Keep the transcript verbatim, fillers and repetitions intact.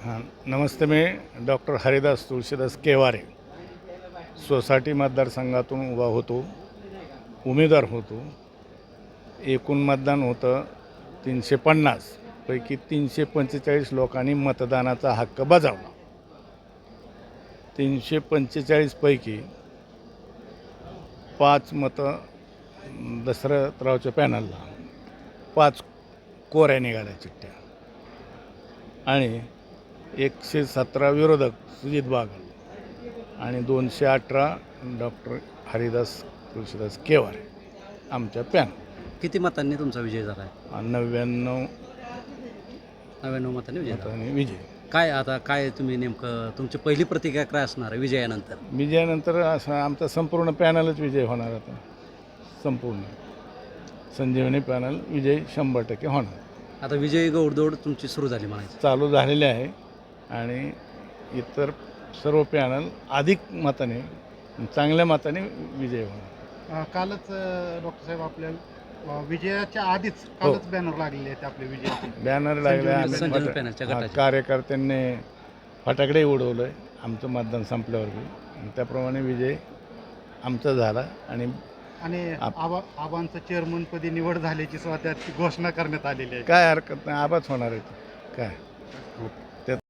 हां नमस्ते. मी डॉक्टर हरिदास तुळशीदास केवारे सोसायटी मतदारसंघातून उभा होतो, उमेदवार होतो. एकूण मतदान होतं तीनशे पन्नास पैकी तीनशे पंचेचाळीस लोकांनी मतदानाचा हक्क बजावला. तीनशे पंचेचाळीसपैकी पाच मतं दशरथरावच्या पॅनलला, पाच कोऱ्या निघाल्या चिठ्ठ्या आणि एकशे सतरा विरोधक सुजित बागल आणि दोनशे अठरा डॉक्टर हरिदास तुळशीदास केवारे आमच्या पॅनल. किती मतांनी तुमचा विजय झाला आहे? नव्याण्णव नव्याण्णव मतांनी विजय झाला. मतांनी विजय. काय आता काय तुम्ही नेमकं तुमची पहिली प्रतिक्रिया काय असणार आहे विजयानंतर? विजयानंतर असं आमचा संपूर्ण पॅनलच विजय होणार. आता संपूर्ण संजीवनी पॅनल विजय शंभर टक्के होणार. आता विजयी गौडदौड तुमची सुरू झाली म्हणायचं. चालू झालेले आहे आणि इतर सर्व पॅनल अधिक मताने चांगल्या मताने विजय होणार. अ, कालच अ, डॉक्टर साहेब आपल्या अ, विजयाच्या आधीच कालच बॅनर लागलेले आहेत आपल्या विजयाचे. बॅनर लागले. आम्ही संजीवनी फटा- पॅनलच्या हा, गटाचे. कार्यकर्त्यांनी फटाकडे उडवलं आहे आमचं मतदान संपल्यावर बी. आणि त्याप्रमाणे विजय आमचा झाला आणि आणि आप- आबा आबांचं चेअरमनपदी निवड झाल्याची सुद्धा त्यात घोषणा करण्यात आलेली आहे. काय हरकत नाही. आबाच होणार आहे ते. काय